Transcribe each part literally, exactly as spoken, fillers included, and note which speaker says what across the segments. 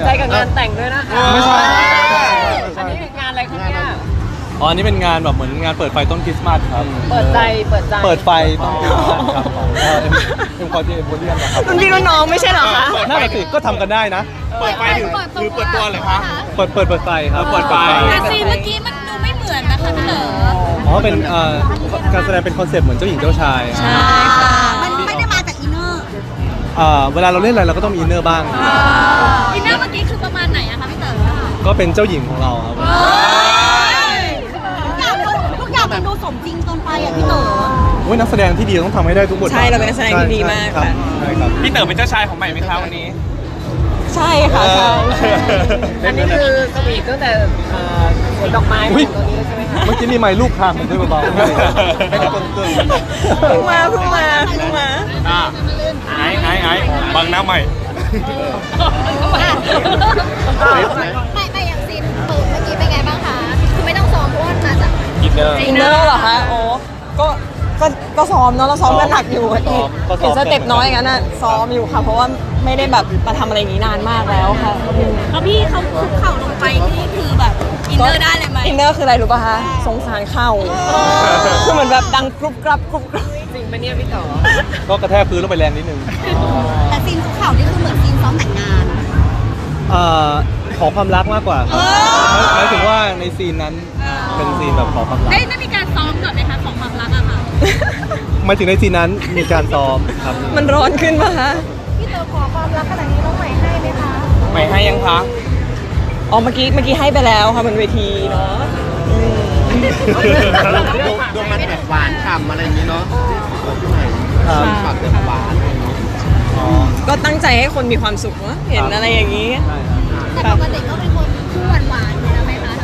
Speaker 1: ใจกับงานแต่งด้วยนะคะ
Speaker 2: ไม่ใช่
Speaker 1: อันนี้เป็นงานอะไรครับเนี่ย
Speaker 2: อ๋ออันนี้เป็นงานแบบเหมือนงานเปิดไฟต้นคริสต์มาสครับ
Speaker 1: เปิดใจเปิดใจ
Speaker 2: เปิดไฟต้นคริสต์มาสครับของเอ็มเอ็มคอร์ดีเอ็มโพเรียมนะครับ
Speaker 3: รุ่นพี่รุ่นน้องไม่ใช่เหรอคะ
Speaker 2: น่าสิก็ทำกันได้นะ
Speaker 4: เปิดไฟหรือหรือเปิดตัวเลยคะ
Speaker 2: เปิดเปิดเปิดไฟครับ
Speaker 4: เปิดไฟ
Speaker 3: แต่ซีนเมื่อกี้มันดูไม่เหมือนนะคะพี่เต๋อ
Speaker 2: อ๋อเป็นเอ่อการแสดงเป็นคอนเซ็ปต์เหมือนเจ้าหญิงเจ้าชาย
Speaker 3: ใช่ค่ะมันไม่ได้มาจากอินเนอร์
Speaker 2: อ่าเวลาเราเล่นอะไรเราก็ต้องมีอินเนอร์บ้าง
Speaker 3: อินเนอร์เมื่อกี้คือประมาณไหนอะคะพี่เต๋อ
Speaker 2: ก็เป็นเจ้าหญิงของเราครับ
Speaker 3: ทุกอย่างมันดูสมจริงเกินไปอะพี่เต๋อ
Speaker 2: โอ้ยนักแสดงที่ดีต้องทำให้ได้ทุกบท
Speaker 3: ใช่เราเป็นนักแสดงที่ดีมากค่ะ
Speaker 2: ใช่ครับ
Speaker 4: พี่เต๋อเป็นเจ้าชายของใหม่ไหมคะวันนี้
Speaker 3: ใช่ค่ะใช่
Speaker 1: อันนี้คือสวีทตั้งแต่สวนดอกไม้ตรงนี้ใช่ไหมคะ
Speaker 2: เมื่อกี้มีไม้ลูกคางมันด้วยเบาๆให้ทุกคนตื่น
Speaker 3: เพิ่งมาเพิ่งมาเพิ่งมา
Speaker 4: อ่าไอ้ไอ้ไอ้บังหน้าใหม่
Speaker 5: ไม่ไม่อย่างซีนเปิดเมื่อกี้เป็นไงบ้างคะคือไม่ต้องซ้อมเพราะว่ามาจาก
Speaker 4: อินเนอร์
Speaker 3: อินเนอร์เหรอคะโอ้ก็ก็ก็ซ้อมเนาะเราซ้อมกันหนักอยู่เห็นสเต็ปน้อยอย่างนั้นน่ะซ้อมอยู่ค่ะเพราะว่าไม่ได้แบบมาทำอะไรอย่างนี้นานมากแล้วค่ะ
Speaker 5: แล้วพี่เขาคุกเข่าลงไปนี่คือแบบอินเนอร์ได้เลยไหม
Speaker 3: อินเนอร์คืออะไรรู้ป่ะคะสงสารเข่าคือเหมือนแบบดังกรุบกรับกรุบกรับ
Speaker 1: จริงปะเนี่ยพี่ต่อ
Speaker 2: ก็กระแทกพื้นลงไปแรงนิดนึง
Speaker 5: แต่ซีนคุกเข่านี่คือเหมือนซีนซ้อมแต่งงาน
Speaker 2: เอ่อขอความรักมากกว่าครับหมายถึงว่าในซีนนั้นเป็นซีนแบบขอความรัก
Speaker 5: ได้ได้มีการซ้อมก่อนไหมคะของความรักอะค่ะ
Speaker 2: หมายถึงในซีนนั้นมีการซ้อมครับ
Speaker 3: มันร้อนขึ้นป่ะคะ
Speaker 5: พี่เต๋อขอความรักขนาดนี้น้องใหม่ให้ไหมคะ
Speaker 4: ใหม่ให้ยังคะ
Speaker 3: อ๋อเมื่อกี้เมื่อกี้ให้ไปแล้วค่ะบนเวทีเนาะ
Speaker 4: ดูมันแบบหวานฉ่ำอะไรอย่างนี้เนาะพี่ใหม่ฝากเติมหวาน
Speaker 3: ก็ตั้งใจให้คนมีความสุขเนาะเห็นอะไรอย่างนี้
Speaker 5: แต่ปกติก็เป็นคนคู่หวานหวานอยู่แล้วไหมคะ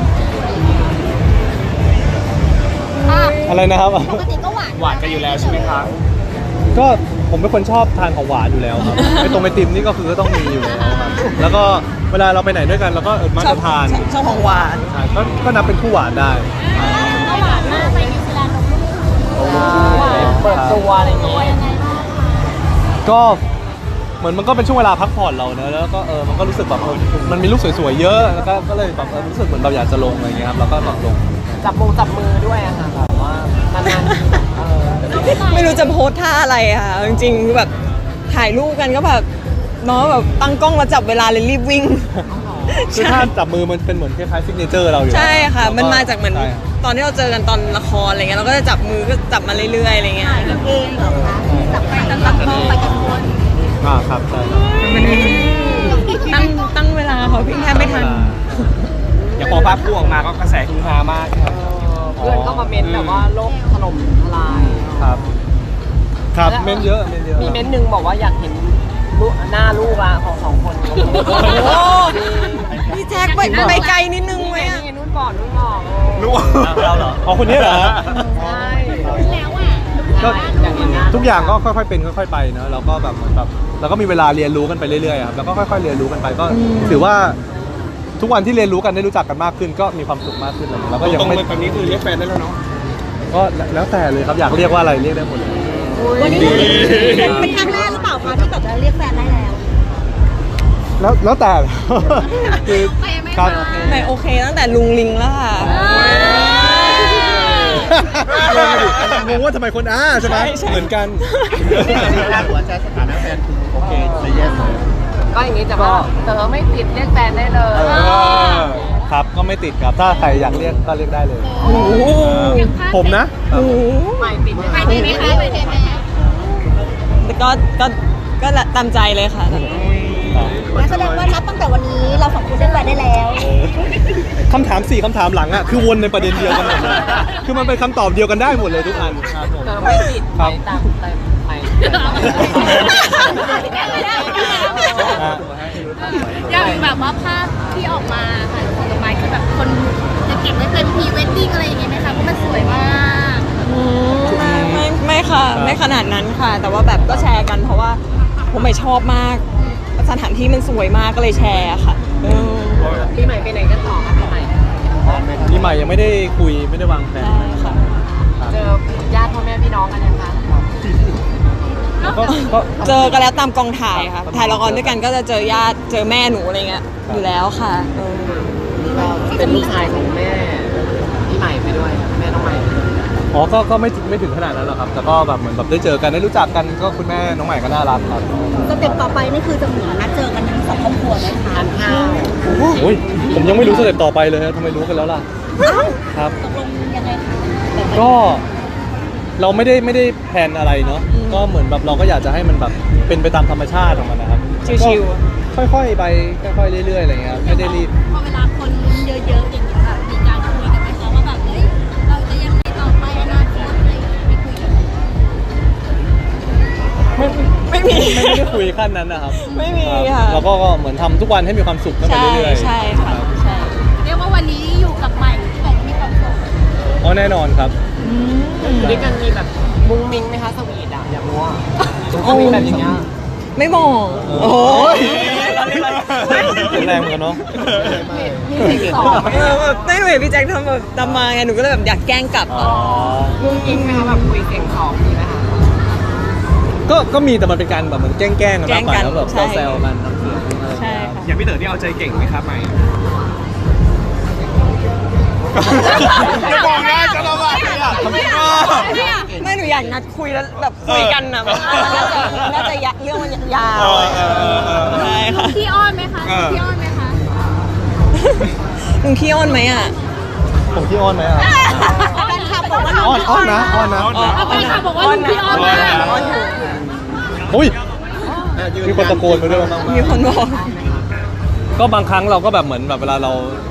Speaker 2: อะไรนะครับ
Speaker 5: ปกติก็หวาน
Speaker 4: หวานกันอยู่แล้วใช่ไหมคะ
Speaker 2: ก็ผมเป็นคนชอบทานของหวานอยู่แล้วครับไอตรงไอติมนี่ก็คือก็ต้องมีอยู่แล้วครับแล้วก็เวลาเราไปไหนด้วยกันเราก็มักจะทาน
Speaker 3: ชอบของหวาน
Speaker 2: ก็ก็นับเป็นคู่หวานได้
Speaker 5: ก็หวานมากไปนิวซีแลนด์
Speaker 1: เปิดตัวอะไรอย่างเงี้ย
Speaker 2: ก็เหมือนมันก็เป็นช่วงเวลาพักผ่อนเราเนอะแล้วก็เออมันก็รู้สึกแบบมันมีรูปสวยๆเยอะแล้วก็ก็เลยแบบรู้สึกเหมือนเราอยากจะลงอะไรเงี้ยครับแล้วก็ลองลง
Speaker 1: จับมือจับมือด้วยอะค่ะแบบว่านานๆเออ
Speaker 3: ไม่รู้จะโพสท่าอะไรค่ะจริงๆแบบถ่ายรูปกันก็แบบเนาะแบบตั้งกล้องมาจับเวลาเลยรีบวิ่ง
Speaker 2: คือถ้าจับมือมันเป็นเหมือนคล้ายๆซิกเนเจอร์เราอยู่
Speaker 3: ใช่ค่ะมันมาจากเหมือนตอนที่เราเจอกันตอนละครอะไรเงี้ยเราก็จะจับมือก็จับมาเรื่อยๆอะไรเงี้ย
Speaker 5: เองเหรอคะจับไปตั้งตั้งกล้องไปกันคน
Speaker 2: อ่าครับใช่
Speaker 3: ตั้งตั้งเวลาเขาพี่แค่ไม่ทัน
Speaker 4: อย่างพอภาพคู่ออกมาก็กระแสฮือฮามากครับ
Speaker 1: เพื่อนก็มาเม้นแบบว่าโลกถล่มทลาย
Speaker 2: ครับครับเม้นเยอะเม้นเยอะ
Speaker 1: มีเม้นหนึ่งบอกว่าอยากเห็นหน้าลูกอะของสองคน
Speaker 3: พี่แจ็คไปไปไกลนิดนึงไหมอะ
Speaker 1: นุ่นก่อนนุ่นก่อน
Speaker 4: รู้
Speaker 2: เราเหรออ๋อคนนี้เหรอ
Speaker 1: ใช่
Speaker 5: แล้วอ่ะ
Speaker 2: ก็ทุกอย่างก็ค่อยๆเป็นค่อยๆไปเนอะเราก็แบบเหมือนแบบเราก็มีเวลาเรียนรู้กันไปเรื่อยๆครับแล้วก็ค่อยๆเรียนรู้กันไปก็ถือว่าทุกวันที่เรียนรู้กันได้รู้จักกันมากขึ้นก็มีความสุขมากขึ้นแล้วก็
Speaker 4: ยังไม่ตอนนี้คือเรียกแฟนได้แล้วเนาะ
Speaker 2: ก็แล้วแต่เลยครับอยากเรียกว่าอะไรเรียกได้หมดเลย
Speaker 5: วันนี้เป็นครั้งแรกหรือเปล่าคะที่แบบเรียกแฟนได้แล้ว
Speaker 2: แล้วแล้วแต่คือ
Speaker 3: ครับไม่โอเคตั้งแต่ลุงลิงแล้วค่ะ
Speaker 2: งงว่าทำไมคนอ้าใช่ไหมเหมือนกัน
Speaker 4: หัวใจสถานะแฟนคือโอเคเลยแย่เลย
Speaker 1: ก็อย่างนี้จะว่าเต๋อไม่ติดเรียกแฟนได้เลย
Speaker 2: ครับก็ไม่ติดครับถ้าใครอยากเรียกก็เรียกได้เลยผมนะ
Speaker 1: ไม่ติด
Speaker 5: ไม่ติดไหมคะไม่ติดไหม
Speaker 3: แต่ก็ก็ก็ตามใจเลยค่ะ
Speaker 5: แสดงว่านับตั้งแต่วันนี้เราสองคนเรียกแฟนได้แล้ว
Speaker 2: คำถามสี่คำถามหลังอ่ะคือวนในประเด็นเดียวกันหมดเลยคือมันเป็นคำตอบเดียวกันได้หมดเลยทุกอันครับผม
Speaker 1: ไม่ติดไม่ตามแต่ไม่
Speaker 5: อย่างแบบว่าภาพที่ออกมาค่ะของดอกไม้คือแบบคนจะเก็บไว้เป็นพรีเวดดิ้งอะไรอย่างเงี้ยไหมคะเพราะมันสวยมาก
Speaker 3: ไม่ไม่ค่ะไม่ขนาดนั้นค่ะแต่ว่าแบบก็แชร์กันเพราะว่าผมไม่ชอบมากสถานที่มันสวยมากก็เลยแชร์ค่ะ
Speaker 1: ปีใหม่ไปไหนกันต่อคะปีใหม่
Speaker 2: ปีใหม่ยังไม่ได้คุยไม่ได้วางแผน
Speaker 3: ค่ะ
Speaker 1: เจอญาติพ่อแม่พี่น้องกันยังคะ
Speaker 2: ก็ก็
Speaker 3: เจอกันแล้วตามกองถ่ายค่ะถ่ายละครด้วยกันก็จะเจอญาติเจอแม่หนูอะไรเงี้ยอยู่แล้วค่ะเออ
Speaker 1: ก็เป็นลูกชายของแม่พี่ใหม่ไปด้วยแม่น้องใหม่
Speaker 2: อ๋อก็ก็ไม่ถึงไม่ถึงขนาดนั้นหรอกครับแต่ก็แบบเหมือนแบบได้เจอกันได้รู้จักกันก็คุณแม่น้องใหม่ก็น่ารักครับ
Speaker 6: สเต็ปต่อไปนี่คือจะเหมือนนัดเจอกันทั้งสองครอบครัวไหมคะ
Speaker 1: ทานข้าว
Speaker 2: โอ้ยผมยังไม่รู้สเต็ปต่อไปเลยครับทำไมรู้กันแล้วล่ะครับ
Speaker 6: ตกลงยังไงคะ
Speaker 2: ก็เราไม่ได้ไม่ได้แพลนอะไรเนาะก็เหมือนแบบเราก็อยากจะให้มันแบบเป็นไปตามธรรมชาติของมันนะครับ
Speaker 3: ชิว
Speaker 2: ๆค่อยๆไปค่อยๆเรื่อยๆอะไรเงี้ยครับไม่ได้รีบ
Speaker 5: พอเวลาคนลุ้นเยอะๆอย่างนี้ค่ะมีการคุยกันไหมคะว่าแบบเฮ้ยเราจะยังไงต่อไปอนาคตอะไรอย่างเงี้ยไม่คุยกัน
Speaker 3: ไม่มี
Speaker 2: ไม่ไม่ได้คุยขั้นนั้นนะครับ
Speaker 3: ไม่มี
Speaker 2: รับ
Speaker 3: ค่ะ
Speaker 2: เราก็ก็เหมือนทำทุกวันให้มีความสุขกันไป
Speaker 3: ใช่
Speaker 2: เรื่อยๆ
Speaker 3: ใช่ค่ะ
Speaker 2: รับ
Speaker 3: ใช่
Speaker 5: เรียกว่าวันนี้อยู่กับใหม่แต่จะมีความสุข
Speaker 2: อ๋อแน่นอนครับ
Speaker 3: อืม
Speaker 1: อยู่ด้วยกันมีแบบมุ้งมิ้งไหมคะสวีทอ่ะอยากรู้ว่าเขามีแบบอย่างเงี้ย
Speaker 3: ไม่มองโอ้โห
Speaker 2: แรงเหมือนกันเนาะ
Speaker 1: มีสิ่งสองไหม
Speaker 3: เออแบบได้เห็นพี่แจ็คทำแบบทำมาไงหนูก็เลยแบบอยากแกล้งกลับ
Speaker 2: อ๋อ
Speaker 1: มุ้งมิ้งไหมคะแบบคุยเสียงสองมีไหมคะ
Speaker 2: ก็ก็มีแต่มันเป็นการแบบเหมือนแกล้งๆกันมากกว่า
Speaker 3: แกล้งกัน
Speaker 2: แล้วแบบ
Speaker 3: ใช่
Speaker 2: แซวๆกันน้ำเสียงอะไร
Speaker 3: ใช่ค่ะ
Speaker 4: อย่างพี่เต๋อที่เอาใจเก่งไหมครับใหม่จะบอกนะจะระบายอ่ะ
Speaker 3: ไม่หนูอยากนัดคุยแล้วแบบคุยกันนะแบบน่าจะน่าจะยะเรื่องมันยาว
Speaker 4: เออเออเออเออ
Speaker 3: ใช่ค่ะ
Speaker 5: พี่อ้อนไหมคะพี่อ้อนไหมคะ
Speaker 3: มึงขี้อ้อนไหมอ่ะ
Speaker 2: ผมที่อ้อนไหมอ่ะ
Speaker 5: แฟนคลับบอกว่า
Speaker 2: อ้อนอ้อนนะอ้อนนะ
Speaker 5: แฟนคลับบอกว่าลุงพี่อ้อนมาก
Speaker 3: อ้อนอยู่
Speaker 2: อุ้ยมีคนตะโกนมาด้วยบ้าง
Speaker 3: มีคนบอก
Speaker 2: ก็บางครั้งเราก็แบบเหมือนแบบเวลาเรา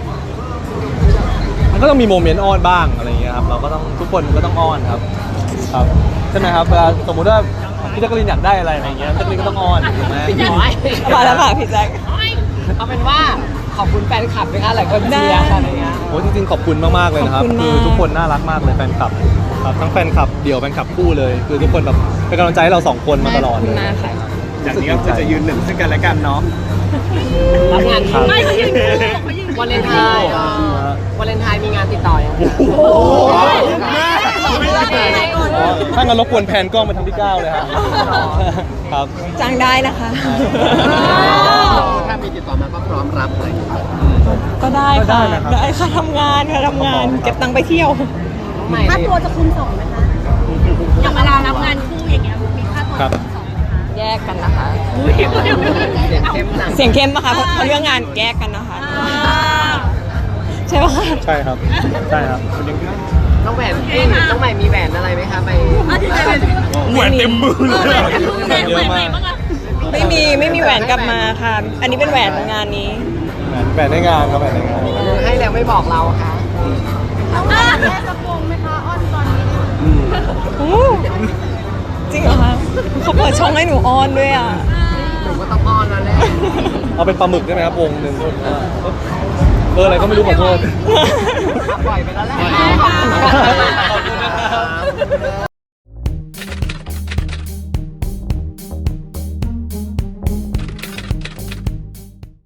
Speaker 2: มันก็ต้องมีโมเมนต์อ้อนบ้างอะไรอย่างเงี้ยครับเราก็ต้องทุกคนก็ต้องอ้อนครับ ครับใช่ไหมครับเวลาสมมุติว่าพี่แจ๊กกะลินอยากได้อะไรอะไรอย่างเงี้ยแจ๊กกะลินก็ต้องอ้อนถูกไหม
Speaker 3: มาแล้วค่ะพี่แจ็ค
Speaker 1: เอาเป็นว่าขอบคุณแฟนคลับไหมคะหลายคนเชียร์ค่ะอะไรเงี้ย
Speaker 2: โอ้จริงๆขอบคุณมากๆเลยนะครับ
Speaker 3: ขอบคุณมาก
Speaker 2: คือทุกคนน่ารักมากเลยแฟนคลับครับทั้งแฟนคลับเดี่ยวแฟนคลับคู่เลย คือทุกคนแบบเป็นกำลังใจให้เราสองคนมาตลอด
Speaker 3: ขอบ
Speaker 2: เล
Speaker 3: คุณ
Speaker 2: ย
Speaker 3: มากค่ะ
Speaker 4: จากนี้ก็คือจะยืนหนึ่งซึ่งกันและกันเนาะ
Speaker 1: รับงาน
Speaker 2: ครับ
Speaker 5: ไม่เขายืนคู่เขายืน
Speaker 1: วันเลนไทน์เอ่อวันเลนไทน์มีงานติดต่อยังคะ
Speaker 2: โอ้ถ้างั้นรบกวนแพนกล้องไปทางที่เก้าเลยครับครับ
Speaker 3: จ้างได้นะคะ
Speaker 4: ถ้ามีติดต่อมาก็พร้อมรับเลย
Speaker 3: ก็ได้
Speaker 2: ก็ได้
Speaker 3: ค่ะ
Speaker 2: นะครับ
Speaker 3: ได้ค่ะทำงานค่ะทำงาน เก็บตังค์ไปเที่ยว
Speaker 1: น้องใหม่
Speaker 6: ค่าตัวจะคูณสองไหมคะ
Speaker 5: อย่างเวลารับงานคู่อย่างเงี้ยมีค่าตัว
Speaker 2: ครับ
Speaker 5: สองไหมคะ
Speaker 3: แยกกันนะคะ
Speaker 5: อุ้ย
Speaker 1: เสียงเข้มหนัก
Speaker 3: เสียงเข้มปะคะเพราะเพราะเรื่องงานแยกกันนะคะ ใช่ปะคะ
Speaker 2: ใช่ครับใช่ครับ
Speaker 1: น้องแหวนเอ้ยน้องใหม่มีแหวนอะไรไหมคะไป
Speaker 4: แหวนเต็มมือเลย
Speaker 2: เยอะมาก
Speaker 3: ไม่มีไม่มีแหวนกลับมาค่ะ อันนี้เป็นแหวนงานนี้
Speaker 2: แบ่งในงานครับแบ่งในงาน
Speaker 1: ให้แล้วไม่บอกเราค่ะ
Speaker 5: ต้องแม่กระโปรงไหมคะอ้อนตอนนี้
Speaker 3: อู้จริงเหรอคะเขาเปิดช่องให้หนูออนด้วยอ่ะ
Speaker 1: หนูก็ต้องอ้อนแล้วแหละ
Speaker 2: เอาเป็นปลาหมึกได้ไหมครับวงหนึ่งเอออะไรก็ไม่รู้ขอโทษ
Speaker 1: ปล่อยไปแล้วแหละ
Speaker 2: ขอบคุณนะครับ